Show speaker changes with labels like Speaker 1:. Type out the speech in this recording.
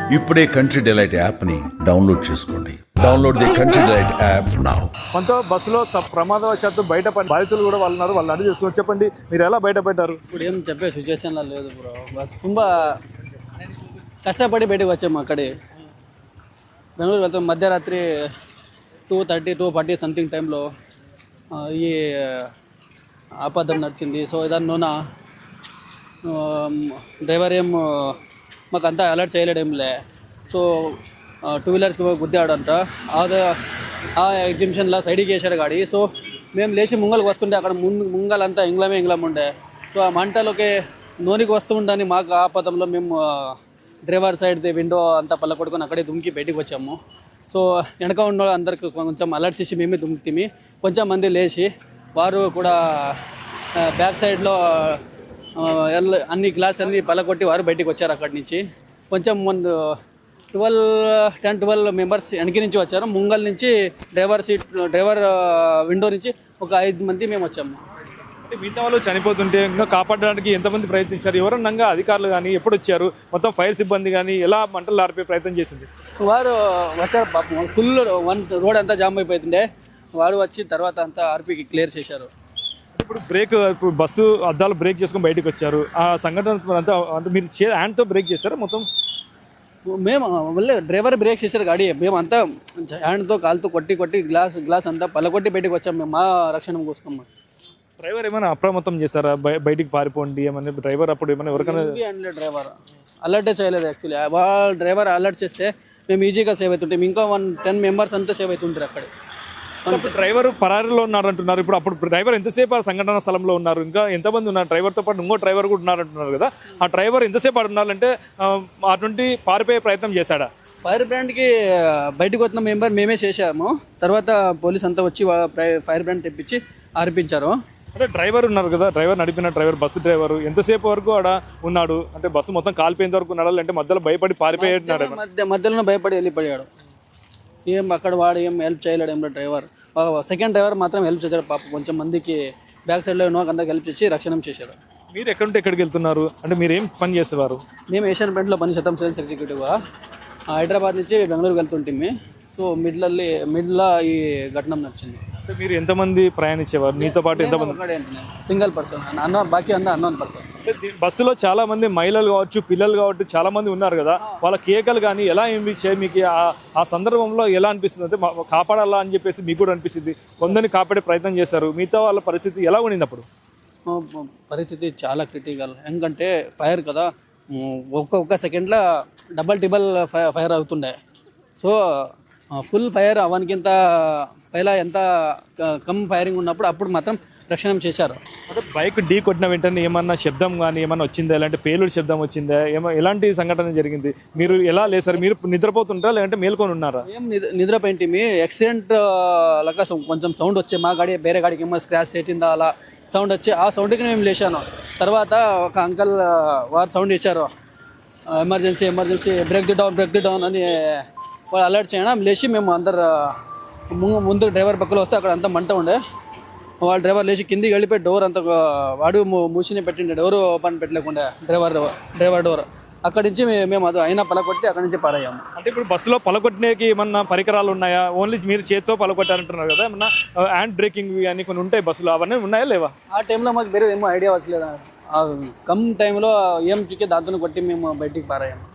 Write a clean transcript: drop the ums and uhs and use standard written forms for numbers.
Speaker 1: ఇప్పుడే country delight యాప్ని download చేసుకోండి. Download the country delight app now.
Speaker 2: కొంత బస్సులో ప్రమాదవశాత్తు బయటపడి బాధితులు కూడా వాళ్ళు ఉన్నారు. వాళ్ళు అడిగి చేసుకోవచ్చు. చెప్పండి, మీరు ఎలా బయటపడ్డారు?
Speaker 3: ఇప్పుడు ఏం చెప్పే సిచ్యువేషన్లో లేదు బ్రో. ತುಂಬ కష్టపడి బయటకు వచ్చాము. అక్కడే బెంగళూరు వెళ్తాం. మధ్యరాత్రి 2:30, 2:40 సంథింగ్ టైంలో ఈ ఆపదం నడిచింది. సో దానిలోన డ్రైవర్ ఏం మాకు అంతా అలర్ట్ చేయలేడేంలే. సో 2 వీలర్స్కి గుద్దాడంట. ఆ ఎగ్జిబిషన్లో సైడ్కి వేసాడు గాడి. సో మేము లేచి ముంగల్కి వస్తుండే అక్కడ ముంగలంతా ఇంగ్లం ఉండే. సో ఆ మంటలోకి నూనెకి వస్తూ ఉండని మాకు ఆపదంలో మేము డ్రైవర్ సైడ్ది విండో అంతా పళ్ళకొట్టుకొని అక్కడే దుమికి బయటికి వచ్చాము. సో వెనక ఉన్న అందరికి కొంచెం అలర్ట్ చేసి మేమే దుమికితిమి. కొంచెం మంది లేచి వారు కూడా బ్యాక్ సైడ్లో అన్ని గ్లాస్ అన్ని పళ్ళకొట్టి వారు బయటికి వచ్చారు. అక్కడి నుంచి కొంచెం ముందు 10-12 మెంబర్స్ వెనక నుంచి వచ్చారు. ముంగల్ నుంచి డ్రైవర్ విండో నుంచి ఒక 5 మంది మేము వచ్చాము.
Speaker 2: మిగతా వాళ్ళు చనిపోతుంటే ఇంకా కాపాడడానికి ఎంతమంది ప్రయత్నించారు? ఎవరన్నా అధికారులు కానీ ఎప్పుడు వచ్చారు? మొత్తం ఫైర్ సిబ్బంది కానీ ఎలా మంటలు ఆర్పే ప్రయత్నం చేసింది?
Speaker 3: వారు వచ్చారు. పాపం ఫుల్ రోడ్ అంతా జామ్ అయిపోతుండే. వారు వచ్చి తర్వాత అంతా ఆర్పీకి క్లియర్ చేశారు.
Speaker 2: ఇప్పుడు బస్సు అద్దాలు బ్రేక్ చేసుకొని బయటకు వచ్చారు. ఆ సంఘటన అంతా అంటే మీరు హ్యాండ్తో బ్రేక్ చేస్తారా? మొత్తం
Speaker 3: మేము మళ్ళీ డ్రైవర్ బ్రేక్ చేశారు గాడి. మేము అంతా హ్యాండ్తో కాలుతో కొట్టి గ్లాస్ అంతా పలకొట్టి బయటకు వచ్చాము. మేము మా రక్షణ కోసం.
Speaker 2: డ్రైవర్ ఏమైనా అప్రమత్తం చేస్తారా? బయటికి పారిపోండి ఏమన్నా డ్రైవర్ అప్పుడు ఏమైనా ఎవరికైనా?
Speaker 3: డ్రైవర్ అలర్టే చేయలేదు. యాక్చువల్లీ వాళ్ళ డ్రైవర్ అలర్ట్ చేస్తే మేము ఈజీగా సేవ్ అవుతుంటాం. ఇంకా 10 మెంబర్స్ అంతా సేవ్ అవుతుంటారు అక్కడే.
Speaker 2: డ్రైవర్ పరారీలో ఉన్నారంటున్నారు. అప్పుడు డ్రైవర్ ఎంతసేపు ఆ సంఘటన స్థలంలో ఉన్నారు? ఇంకా ఎంతమంది ఉన్నారు? డ్రైవర్తో పాటు ఇంకో డ్రైవర్ కూడా ఉన్నారంటున్నారు కదా. ఆ డ్రైవర్ ఎంతసేపు ఉన్నారంటే అటువంటి పారిపోయే ప్రయత్నం చేశాడా?
Speaker 3: ఫైర్ బ్రాండ్కి బయటకు వచ్చిన మెంబర్ మేమే చేశాము. తర్వాత పోలీస్ అంతా వచ్చి ఫైర్ బ్రాండ్ తెప్పించి ఆర్పించారు.
Speaker 2: అంటే డ్రైవర్ ఉన్నారు కదా, నడిపిన డ్రైవర్, బస్సు డ్రైవర్ ఎంతసేపు వరకు ఆడ ఉన్నాడు? అంటే బస్సు మొత్తం కాలిపోయేంత వరకు ఉన్నాడు, అంటే మధ్యలో భయపడి పారిపోయాడు?
Speaker 3: మధ్యలో భయపడి వెళ్ళిపోయాడు. ఏం అక్కడ వాడు ఏం హెల్ప్ చేయలేడు. ఏం డ్రైవర్ సెకండ్ డ్రైవర్ మాత్రం హెల్ప్ చేశాడు. పాప కొంచెం మందికి బ్యాక్ సైడ్లో అందరికి హెల్ప్ చేసి రక్షణ చేశాడు.
Speaker 2: మీరు ఎక్కడుంటే ఎక్కడికి వెళ్తున్నారు? అంటే మీరు ఏం పని చేసేవారు?
Speaker 3: మేము ఏషియన్ పెయింట్లో పని చేస్తాం. సేల్స్ ఎగ్జిక్యూటివ్గా హైదరాబాద్ నుంచి బెంగళూరుకి వెళ్తుంటే. సో మిడ్లో ఈ ఘటన నచ్చింది.
Speaker 2: మీరు ఎంతమంది ప్రయాణించేవారు? మీతో పాటు ఎంతమంది?
Speaker 3: సింగిల్ పర్సన్, బాకీ అంతా అన్నోన్ పర్సన్.
Speaker 2: బస్సులో చాలా మంది మహిళలు కావచ్చు, పిల్లలు కావచ్చు, చాలా మంది ఉన్నారు కదా. వాళ్ళ కేకలు కానీ ఎలా అనిపించాయి మీకు? ఆ సందర్భంలో ఎలా అనిపిస్తుంది? అంటే కాపాడాలా అని చెప్పేసి మీకు కూడా అనిపిస్తుంది. కొందరిని కాపాడే ప్రయత్నం చేశారు. మిగతా వాళ్ళ పరిస్థితి ఎలా ఉండింది అప్పుడు?
Speaker 3: పరిస్థితి చాలా క్రిటికల్. ఎందుకంటే ఫైర్ కదా, ఒక్క సెకండ్లో డబల్ ఫైర్ అవుతుండే. సో ఫుల్ ఫైర్ అవనికింత పైలా ఎంత కమ్ ఫైరింగ్ ఉన్నప్పుడు అప్పుడు మాత్రం రక్షణ చేశారు.
Speaker 2: అంటే బైక్ ఢీ కొట్టిన వెంటనే ఏమన్నా శబ్దం కానీ ఏమన్నా వచ్చిందా? ఎలాంటి పేలుడు శబ్దం వచ్చిందా? ఎలాంటి సంఘటన జరిగింది? మీరు ఎలా లేసారు? మీరు నిద్రపోతుంటారా లేదంటే మేల్కొని ఉన్నారా?
Speaker 3: ఏం నిద్రపోయింటి. మీ యాక్సిడెంట్ లాగా కొంచెం సౌండ్ వచ్చే, మా గాడి వేరే గాడికి ఏమో స్క్రాచ్ చేసిందా అలా సౌండ్ వచ్చి ఆ సౌండ్కి మేము లేచాను. తర్వాత ఒక అంకల్ వారు సౌండ్ ఇచ్చారు, ఎమర్జెన్సీ బ్రేక్ ది డౌన్ అని వాళ్ళు అలర్ట్ చేయడం. లేచి మేము అందరు ముందు డ్రైవర్ పక్కలో వస్తే అక్కడ అంతా మంట ఉండే. వాళ్ళ డ్రైవర్ లేచి కిందికి వెళ్ళిపోయి డోర్ అంతా వాడు మూసిని పెట్టిండే, డోర్ ఓపెన్ పెట్టలేకుండా డ్రైవర్ డోర్. అక్కడి నుంచి మేము అది అయినా పలకొట్టి అక్కడి నుంచి పారయ్యాము.
Speaker 2: అంటే ఇప్పుడు బస్సులో పలకొట్టడానికి ఏమన్నా పరికరాలు ఉన్నాయా? ఓన్లీ మీరు చేతితో పలకొట్టారంటున్నారు కదా, ఏమన్నా హ్యాండ్ బ్రేకింగ్ అని కొన్ని ఉంటాయి బస్సులో, అవన్నీ ఉన్నాయా లేవా?
Speaker 3: ఆ టైంలో మాకు వేరే ఏమో ఐడియా వచ్చలేదు. కమ్ టైంలో ఏం చిక్కి దాంతో కొట్టి మేము బయటికి పారయ్యాము.